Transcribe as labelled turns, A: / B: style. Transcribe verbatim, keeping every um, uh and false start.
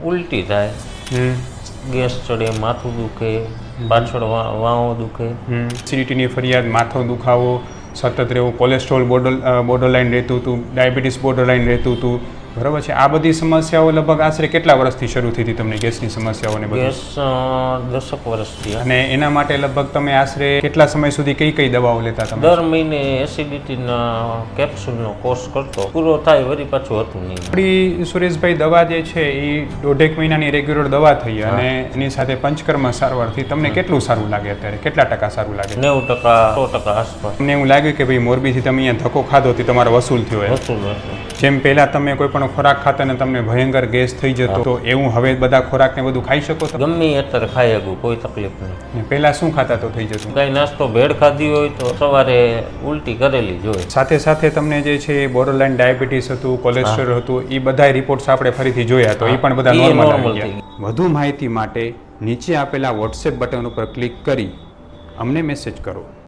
A: ઉલટી થાય, ગેસ ચડે, માથું દુખે, પાછળ વાંઓ દુખે,
B: એસિડિટીની ફરિયાદ, માથો દુખાવો સતત રહેવું, કોલેસ્ટ્રોલ બોર્ડર બોર્ડરલાઇન રહેતું હતું, ડાયાબિટીસ બોર્ડરલાઇન રહેતું હતું, બરાબર છે. આ બધી સમસ્યાઓ લગભગ આશરે કેટલા વર્ષથી શરૂ થઈ હતી તમને ગેસની સમસ્યાઓને બધી?
A: ગેસ દસક વર્ષથી.
B: અને એના માટે લગભગ તમે આશરે કેટલા સમય સુધી કઈ કઈ દવાઓ લેતા તમે?
A: દર મહિને એસિડિટીના કેપ્સ્યુલનો કોર્સ કરતો, પૂરો થાય વળી પાછું હતું નહીં.
B: આપણી સુરેશભાઈ દવા જે છે એ દોઢેક મહિનાની રેગ્યુલર દવા થઈ અને એની સાથે પંચકર્મ સારવારથી તમને કેટલું સારું લાગે અત્યારે? કેટલા ટકા સારું લાગે?
A: નેવું ટકા સો ટકા આસપાસ.
B: તમને એવું લાગ્યું કે ભાઈ મોરબીથી તમે અહીંયા ધક્કો ખાધો હતી તમારો વસૂલ થયો હોય?
A: વસૂલ વસૂલ. જેમ
B: જેમ પહેલા તમે કોઈ પણ ખોરાક ખાતા ને તમને ભયંકર ગેસ થઈ જતો, તો એવું હવે બધા ખોરાક ને બધું ખાઈ શકો છો?
A: ગમે અત્યારે ખાઈ શકું, કોઈ તકલીફ નહીં.
B: પહેલા શું ખાતા તો થઈ જતું?
A: કઈ નાસ્તો ભેળ ખાધી હોય તો સવારે ઉલટી કરેલી જ હોય.
B: સાથે સાથે તમને જે છે બોર્ડરલાઇન ડાયાબિટીસ હતું, કોલેસ્ટ્રોલ હતું, એ બધા રિપોર્ટ્સ આપણે ફરીથી જોયા તો એ પણ બધા
A: ઈ
B: નોર્મલ
A: normal
B: આવી
A: થઈ
B: ગયા. વધુ માહિતી માટે નીચે આપેલા વોટ્સએપ બટન ઉપર ક્લિક કરી અમને મેસેજ કરો.